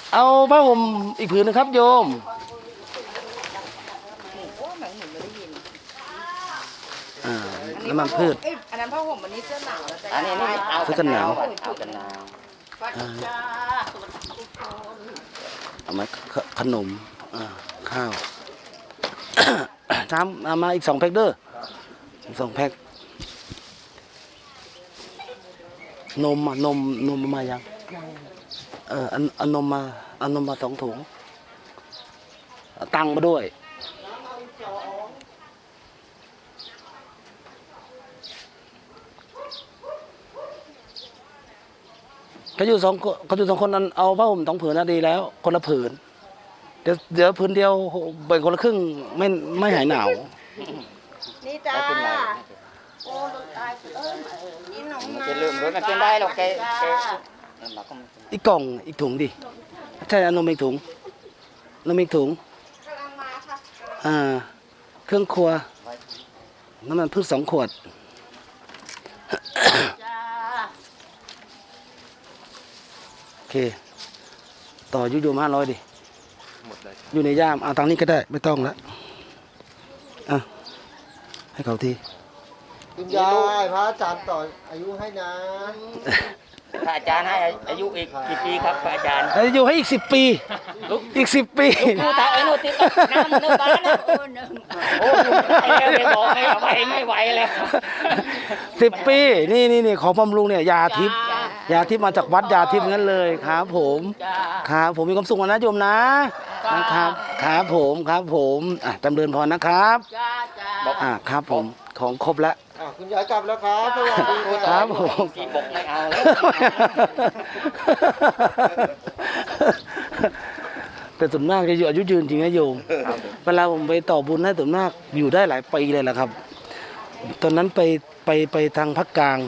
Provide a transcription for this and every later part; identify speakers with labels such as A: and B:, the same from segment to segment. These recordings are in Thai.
A: เอาผ้าห่มอีกผืนนึงครับโยมน้ำมันพืช
B: อันนั้นผ้าห่มอันนี้เสื้อหนาวแล้วแต่
C: อันนี้เอากันหนาวเอากันหนาว
A: เอามาขนมข้าวน้ำเอามาอีก2 แพ็คเด้อ2 แพ็คนมมายังเอานมมา2 ถุงตังมาด้วยเขาอยู่2 คนนั้นเอาผ้าห่ม2 ผืนนะดีแล้วคนละผืนเดี๋ยวผืนเดียวแบ่งคนละครึ่งไม่หายหนาว
B: นี่จ้าโอ้ตายนี่น้อง
C: มันจะลืมรถมันเป็นได้หรอกแก
A: อีกกล่องอีกถุงดิใช่นมอีกถุงนมอีกถุง
B: กำลังมาค่ะ
A: เครื่องครัวน้ำมันพืช2 ขวดโอเคต่อยุโยม500ดิอยู่ในย่ามเอาตังนี้ก็ได้ไม่ต้องแล้วให้เขาที
D: คุณยายพระอาจารย์ต่ออายุให้นะ
C: พระอาจารย์ให้อายุอีกกี่ปีครับพระอาจารย์
A: อายุให้อีก10 ปีอีก10 ปี
C: ดูตาไอ้โน่นติดน้ำนึกบ้านแล้วโอ้ไอ้เรื่องบอกไม่ไหวแล้ว
A: 10 ปีนี่ของบำรุงเนี่ยยาทิพย์มาจากวัดยาทิพย์งั้นเลยครับผมมีความสุขนะโยมนะครับผมจำเริญพรนะครับครับผมของครบแล้ว
D: คุณยายกลับแล้วครับสวัสดี
A: ครับผม
C: ที่บอกไม่เอาแล้ว
A: แต่ส่วนมากจะอยู่อายุยืนจริงนะโยมเวลาผมไปต่อบุญให้ส่วนมากอยู่ได้หลายปีเลยแหละครับตอนนั้นไปทางภาคกลาง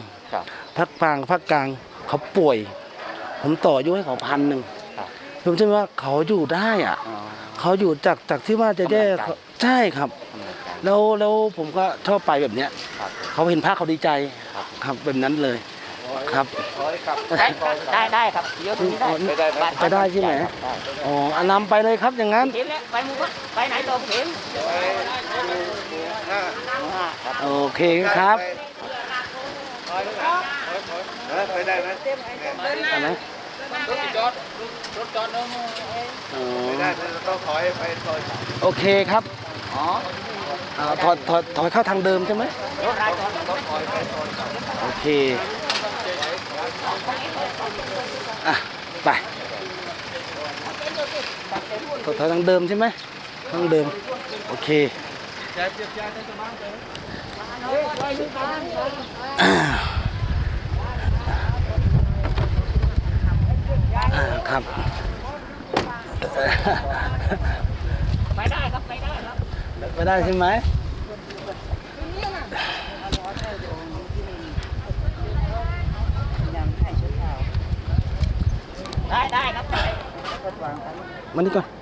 A: เขาป่วยผมต่ออายุให้เขา1,000ผมเชื่อว่าเขาอยู่ได้เขาอยู่จากที่ว่าจะแย่ใช่ครับแล้วผมก็ชอบไปแบบเนี้ยเขาเห็นพระเขาดีใจครับแบบนั้นเลยครับ
C: ได้ครับเดี๋ยวนี้
A: ไปได้ใช่ไหมนำไปเลยครับอย่างนั้น
C: ไปมุกไปไหนตัวเห็น
A: โอเคครับ
D: ไปได้ไหม
A: อะไร
D: รถจอดน้องไม่ได้ต้องถอยไปซอย
A: โอเคครับถอยเข้าทางเดิมใช่ไหมโอเคไปถอยทางเดิมใช่ไหมทางเดิมโอเคครับ
C: ไปได้ครับ
A: ไปได้ใช่ไหม
C: ได้ครับ
A: มานี่ก่อน